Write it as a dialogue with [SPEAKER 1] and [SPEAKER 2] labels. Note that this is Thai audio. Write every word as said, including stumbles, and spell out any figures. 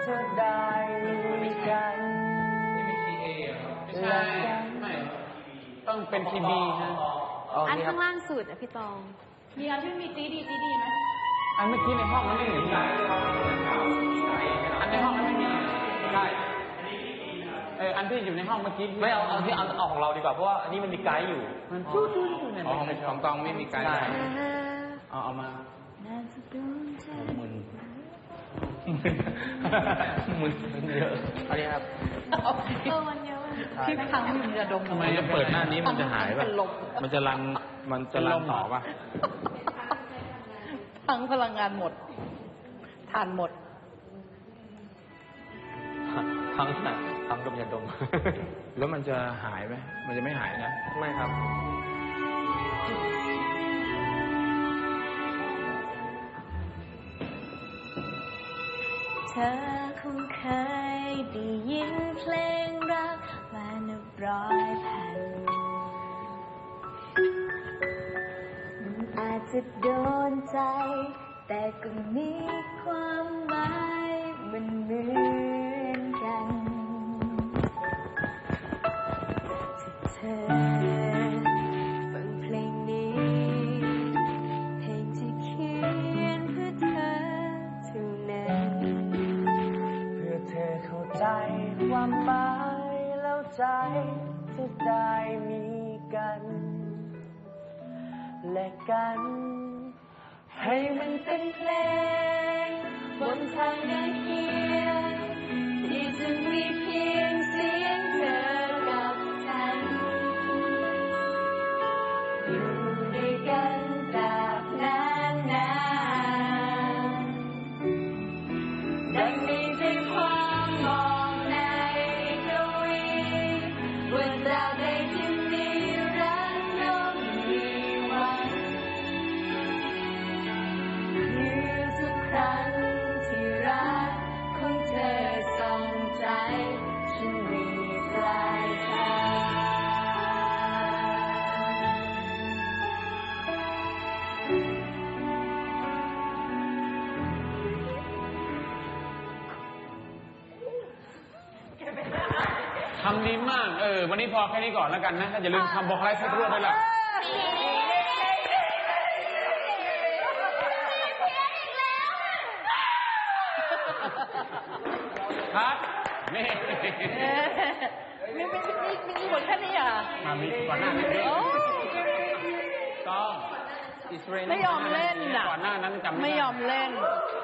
[SPEAKER 1] จะได้มีกัน
[SPEAKER 2] นี่ไม่คีย์เอไม่ใช่ไม่ต้องเป็นคีย์บีฮะ
[SPEAKER 3] อันข้างล่างสุดอ่ะพี่ตอง
[SPEAKER 4] มีอันที่มีตีดีตีดีไหม
[SPEAKER 2] อันเมื่อกี้ในห้องมันไม่เห็นอันในห้องมันไม่มีใช่เอออันที่อยู่ในห้องเมื่อกี้
[SPEAKER 1] ไม่เอาเอาที่เอาเอาของเราดีกว่าเพราะว่าอันนี้มันมีไกด์อยู่
[SPEAKER 2] มันจู้จู้จู้เนี่ยของตองไม่มีไกด์เอาเอามามึนมึนมึนเยอะ
[SPEAKER 1] อันนี้ครับ
[SPEAKER 3] เออมันเยอะ
[SPEAKER 4] ที่ครั้งมันจะดม
[SPEAKER 2] ทำไมจะเปิดหน้านี้มันจะหายป่ะมันจะรันมันจะรันต่อป่ะ
[SPEAKER 4] ทั้งพลังงานหมดทานหมด
[SPEAKER 1] ทั้งทั้งดมยาดม
[SPEAKER 2] แล้วมันจะหายไหมมันจะไม่หายนะ
[SPEAKER 1] ไม่ครับ
[SPEAKER 3] เธอคงเคยได้ยินเพลงรักมานับร้อยแผ่นมันอาจจะโดนใจแต่ก็มีความหมายมันเหมือนกันถ้าเธอฟังเพลงนี้เพลงที่เขียนเพื่อเธอเท่านั้น
[SPEAKER 1] เพื่อเธอเข้าใจความหมายแล้วใจจะได้มีกันและกันให้มันเป็นเพลงบนทางเดินเคียงที่จะมีเพียงเสียงเธอกับฉันอยู่ด้วยกันตราบนานนานดังมีใจความมองในกวีว่าตราบใดที่มีรักย่อมมีวันทุกครั้งที่รักของเธอส่องใจฉันมีปลายทาง
[SPEAKER 2] ทำดีมากเออวันนี้พอแค่นี้ก่อนแล้วกันนะอย่าลืมทำบอกไลฟ์สักรูปด้วยล่ะครับนี่
[SPEAKER 4] มีมีมีมีหมดแค่นี้อ่ะ
[SPEAKER 2] มีก่อนหน้านี้ก็
[SPEAKER 4] ไม่ยอมเล่นอ่ะ
[SPEAKER 2] ก่อนหน้านั้นจำ
[SPEAKER 4] ไม่ยอมเล่น